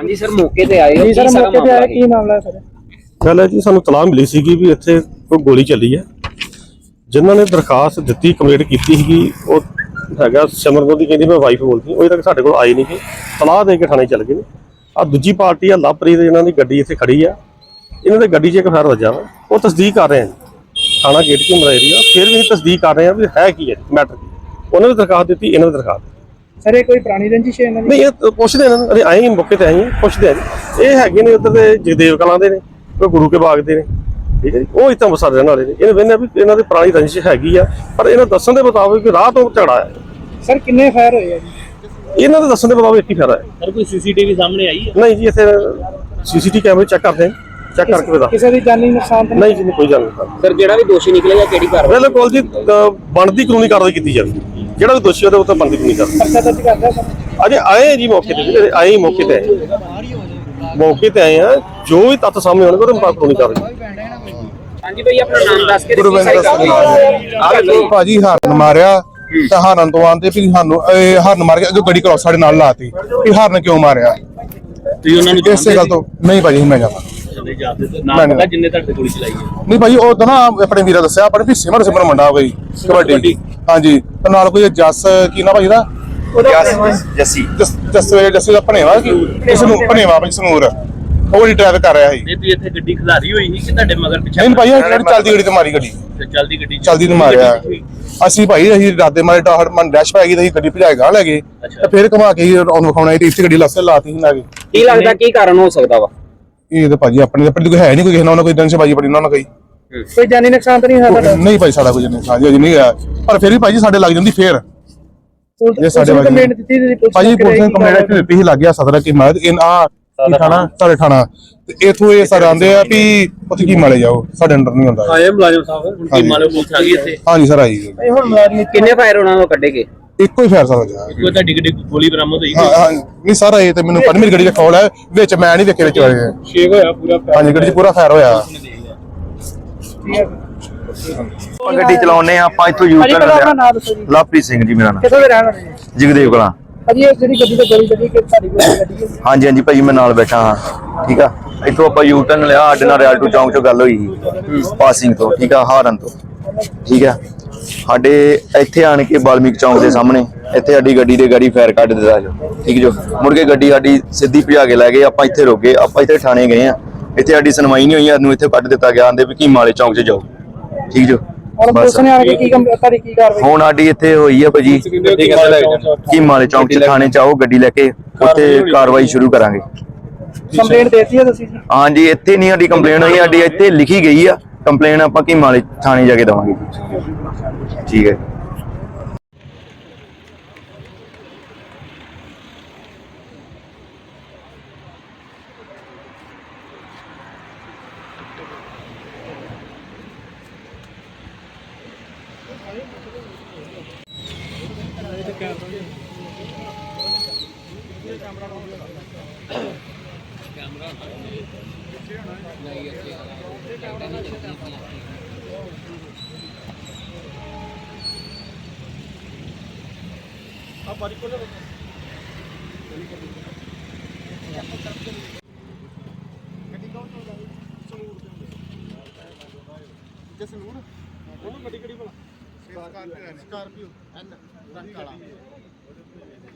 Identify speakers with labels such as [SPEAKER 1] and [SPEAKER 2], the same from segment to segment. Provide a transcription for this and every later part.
[SPEAKER 1] हाँ जी सर मौके पे आए हो
[SPEAKER 2] जी सर मौके पे आए की मामला है सर
[SPEAKER 3] गल है जी सानू तलाह मिली सी भी इत्थे कोई गोली चली है जिन्हों ने दरखास्त दी कंप्लेंट की है सिमरन की कहती मैं वाइफ बोलती अजे तक साढ़े को आई नहीं गई तलाह दे के थाने चल गए आ दूजी पार्टी है लवप्रीत इन्हों की गड्डी इत्थे खड़ी है इन्हों की गड्डी च एक फायर वजा वा वो तस्दीक कर रहे हैं थाना गेट की मरा एरिया फिर भी तस्दीक कर रहे हैं भी है की है मैटर की उन्होंने भी दरखास्त दी इन्होंने दरखास्त
[SPEAKER 2] सर ये कोई पुरानी रंजिश है
[SPEAKER 3] नहीं ये पुछते हैं अरे आए ही मौके पर आए हैं पुछते हैं ये है उधर के जगदेव कलां के ने कोई गुरु के बाग के ने ठीक है जी वो इतना बसा रहने वाले ने इन्हें वेने भी इन्हों की पुरानी रंजिश हैगी आ पर इन्हें दसन के मुताबिक राह तो झगड़ा है
[SPEAKER 2] सर किन्ने फायर होए जी
[SPEAKER 3] इन्हों के दसन के मुताबिक एक ही फायर है
[SPEAKER 1] सर कोई सीसीटीवी सामने आई है
[SPEAKER 3] नहीं जी इतने सीसीटीवी कैमरे चेक करते हैं चेक करके बता
[SPEAKER 2] किसी की जानी नुकसान तो
[SPEAKER 3] नहीं जी कोई जान नहीं
[SPEAKER 1] सर जेड़ा भी दोषी निकलेगा केड़ी कार्रवाई
[SPEAKER 3] बिल्कुल जी बनती कानूनी कार्रवाई की जाएगी ਜਿਹੜਾ ਵੀ ਦੋਸ਼ੀ ਉਹਦੇ ਉੱਤੇ ਬਣਦੀ ਕਾਨੂੰਨੀ ਕਾਰਵਾਈ
[SPEAKER 2] पर्चा दर्ज कर दिया सर
[SPEAKER 3] अजे आए हैं जी मौके पे आए ही मौके पे आए हैं जो भी तत्थ सामने आने ਉਹਦੇ ਮੁਤਾਬਕ ਕਾਨੂੰਨੀ ਕਾਰਵਾਈ
[SPEAKER 1] हाँ जी भाई अपना नाम दस के
[SPEAKER 4] ਭਾਜੀ ਹਾਰਨ ਮਾਰਿਆ ਤਾਂ ਹਾਰਨ ਤੋਂ ਆਂਦੇ ਵੀ ਸਾਨੂੰ ਹਾਰਨ ਮਾਰ ਕੇ ਅੱਗੇ ਗੱਡੀ ਕ੍ਰੋਸ ਸਾਡੇ ਨਾਲ ਲਾਤੀ ਵੀ ਹਾਰਨ ਕਿਉਂ ਮਾਰਿਆ
[SPEAKER 1] ਤੁਸੀਂ ਉਹਨਾਂ ਨੂੰ
[SPEAKER 4] ਇਸੇ ਗੱਲ ਤੋਂ ਨਹੀਂ ਭਾਜੀ ਮੈਂ ਜਾਣਾ
[SPEAKER 1] ਨਾਮ ਪਤਾ ਜਿੰਨੇ ਤੁਹਾਡੇ ਗੋਲੀ ਚਲਾਈ ਹੈ
[SPEAKER 4] ਨਹੀਂ ਭਾਜੀ ਉਹ ਤਾਂ ਨਾ ਆਪਣੇ ਵੀਰਾ ਦੱਸਿਆ ਆਪਣੇ ਵੀ ਸਿਮਰ ਮੁੰਡਾ ਕੋਈ ਕਬੱਡੀ ਹਾਂਜੀ ਤੇ ਨਾਲ ਕੋਈ ਜੱਸ ਕੀ ਨਾ ਭਾਜੀ ਦਾ ਜੱਸੀ ਦਾ ਭਣੇਵਾ ਕਿਸੇ ਨੂੰ ਭਣੇਵਾ ਭਾਜੀ ਸਨੂਰ ਉਹ ਹੀ ਡਰਾਈਵ ਕਰ ਰਿਹਾ ਸੀ
[SPEAKER 1] ਨਹੀਂ ਤੁਸੀਂ ਇੱਥੇ ਗੱਡੀ ਖਿਲਾਰੀ ਹੋਈ ਸੀ ਕਿ ਤੁਹਾਡੇ ਮਗਰ ਪਿੱਛੇ
[SPEAKER 4] ਨਹੀਂ ਭਾਜੀ ਜਿਹੜੀ ਚੱਲਦੀ ਗੱਡੀ ਤੇ ਮਾਰੀ ਗੱਡੀ ਚਲਦੀ ਨੂੰ ਮਾਰਿਆ ਅਸੀਂ ਭਾਈ ਰਾਦੇ ਮਾਰੇ ਟਾਹੜ ਮਨ ਡੈਸ਼ ਪੈ ਗਈ ਤੇ ਗੱਡੀ ਭਜਾਏ ਗਾਂ ਲੈ ਗਏ ਤੇ ਫਿਰ ਘੁਮਾ ਕੇ ਉਹਨੂੰ ਵਿਖਾਉਣਾ ਸੀ ਇੱਥੇ ਗੱਡੀ ਲੱਸੇ ਲਾਤੀ ਸੀ ਲਾ ਕੇ
[SPEAKER 1] ਕੀ ਲੱਗਦਾ ਕੀ ਕਾਰਨ ਹੋ ਸਕਦਾ ਵਾ
[SPEAKER 4] ਇਹ ਤਾਂ ਭਾਜੀ ਆਪਣੇ ਕੋਈ ਹੈ ਨਹੀਂ ਕੋਈ ਕਿਸੇ ਨਾਲ ਕੋਈ ਦੰਸ਼ ਬਾਜੀ ਬੜੀ ਉਹਨਾਂ ਨਾਲ
[SPEAKER 2] कोई जानी नुकसान तो नहीं हुआ सर
[SPEAKER 4] ਨਹੀਂ ਭਾਈ ਸਾਡਾ ਕੁਝ ਨਹੀਂ ਸਾਜੀ ਨਹੀਂ ਹੋਇਆ ਪਰ ਫਿਰ ਵੀ ਭਾਜੀ ਸਾਡੇ ਲੱਗ ਜਾਂਦੀ ਫੇਰ ਇਹ ਸਾਡੇ ਭਾਜੀ
[SPEAKER 2] कंप्लेंट दी थी
[SPEAKER 4] ਭਾਜੀ ਪੁਲਿਸ ਨੇ ਕੰਪਲੇਂਟ ਦਿੱਤੀ ਸੀ ਲੱਗ ਗਿਆ ਸਦਰ ਕੀ ਮਾਰ ਇਹ ਆ ਕੀ ਥਾਣਾ ਸਾਡੇ ਥਾਣਾ ਤੇ ਇਥੋਂ ਇਹ ਸਰ ਆਂਦੇ ਆ ਵੀ ਉੱਥੇ ਕੀ ਮਾਲੇ ਜਾਓ ਸਾਡੇ ਅੰਡਰ ਨਹੀਂ ਹੁੰਦਾ
[SPEAKER 1] ਆਏ ਮੁਲਾਜ਼ਮ ਸਾਹਿਬ ਹੁਣ ਕੀ ਮਾਲੋ ਪੁੱਛ ਆ ਗਈ ਇੱਥੇ
[SPEAKER 4] ਹਾਂਜੀ ਸਰ ਆਈ
[SPEAKER 2] ਹੁਣ मुलाजिम
[SPEAKER 1] ਕਿੰਨੇ ਫਾਇਰ ਉਹਨਾਂ ਨੂੰ ਕੱਢੇਗੇ
[SPEAKER 4] ਇੱਕੋ ਹੀ ਫੇਰ ਸਰ ਜਾ
[SPEAKER 1] ਕੋਈ ਤੁਹਾਡੀ ਗੱਡੀ ਗੋਲੀ ਬਰਾਮਦ ਹੋਈ
[SPEAKER 4] ਹਾਂ ਹਾਂ ਨਹੀਂ ਸਰ ਇਹ ਤੇ ਮੈਨੂੰ ਪਰ ਮੇਰੀ ਗੱਡੀ ਦਾ ਖੋਲ ਹੈ ਵਿੱਚ ਮੈਂ ਨਹੀਂ ਵੇਖੇ ਵਿੱਚ ਹੋਏ
[SPEAKER 1] ਸ਼ੇਕ ਹੋਇਆ ਪੂਰਾ
[SPEAKER 4] ਹਾਂਜੀ ਗੱਡੀ 'ਚ ਪੂਰਾ ਫਾਇਰ ਹੋਇਆ
[SPEAKER 5] ਗੱਡੀ ਚਲਾਉਨੇ ਆ ਆਪਾਂ ਇੱਥੋਂ ਯੂਜ਼
[SPEAKER 2] अपना
[SPEAKER 5] ਕਰ
[SPEAKER 2] नाम दसो जी
[SPEAKER 5] ਲਵਪ੍ਰੀਤ ਸਿੰਘ ਜੀ ਮੇਰਾ ਨਾਮ
[SPEAKER 2] किथों दे रहने वाले जी
[SPEAKER 5] ਜਗਦੇਵ ਕਲਾਂ
[SPEAKER 2] अजी ये जेडी गड्डी ते गोली लगी कि साडी गोली लगी है
[SPEAKER 5] ਹਾਂਜੀ ਹਾਂਜੀ ਭਾਜੀ ਮੈਂ ਨਾਲ ਬੈਠਾ ਹਾਂ ਠੀਕ ਆ ਇੱਥੋਂ ਆਪਾਂ ਯੂ ਟਰਨ ਲਿਆ ਸਾਡੇ ਨਾਲ ਰਿਆਲਟੋ ਚੌਂਕ 'ਚੋਂ ਗੱਲ ਹੋਈ ਸੀ ਪਾਸਿੰਗ ਤੋਂ ਠੀਕ ਆ ਹਾਰਨ ਤੋਂ ਠੀਕ ਆ ਸਾਡੇ ਇੱਥੇ ਆਣ ਕੇ ਬਾਲਮੀਕ ਚੌਂਕ ਦੇ ਸਾਹਮਣੇ ਇੱਥੇ ਸਾਡੀ ਗੱਡੀ ਦੇ ਗਾੜੀ ਫਾਇਰ ਕੱਢ ਦਿੱਤਾ ਜੋ ਠੀਕ ਜੋ ਮੁੜ ਕੇ ਗੱਡੀ ਸਾਡੀ ਸਿੱਧੀ ਭਜਾ ਕੇ ਲੈ ਗਏ ਆਪਾਂ ਇੱਥੇ ਰੁਕ ਗਏ ਆਪਾਂ ਇੱਥੇ ਥਾਣੇ ਗਏ ਆ ਇੱਥੇ ਸਾਡੀ ਸੁਣਵਾਈ ਨਹੀਂ ਹੋਈ ਸਾਨੂੰ ਇੱਥੇ ਕੱਢ ਦਿੱਤਾ ਗਿਆ ਆਂਦੇ ਵੀ ਕੀ ਮਾਲੇ ਚੌਂਕ 'ਚ ਜਾਓ ਠੀਕ ਜੋ
[SPEAKER 2] और पुलिस ने आके की तारी की कार्रवाई
[SPEAKER 5] ਹੁਣ ਸਾਡੀ ਇੱਥੇ ਹੋਈ ਆ ਭਾਜੀ ਕੀ ਮਾਲੇ ਚੌਂਕ 'ਚ ਥਾਣੇ 'ਚ ਆਓ ਗੱਡੀ ਲੈ ਕੇ ਉੱਥੇ ਕਾਰਵਾਈ ਸ਼ੁਰੂ ਕਰਾਂਗੇ
[SPEAKER 2] कंप्लेंट देती है तुसी जी
[SPEAKER 5] ਹਾਂਜੀ ਇੱਥੇ ਨਹੀਂ ਸਾਡੀ ਕੰਪਲੇਨ ਹੋਈ ਸਾਡੀ ਇੱਥੇ ਲਿਖੀ ਗਈ ਆ ਕੰਪਲੇਨ ਆਪਾਂ ਕੀ ਮਾਲੇ ਥਾਣੇ ਜਾ ਕੇ ਦਵਾਂਗੇ ਠੀਕ ਹੈ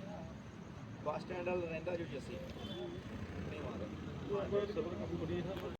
[SPEAKER 5] ਬੱਸ ਸਟੈਂਡ ਵਾਲਾ ਰਹਿੰਦਾ ਜੋ ਜੱਸੀ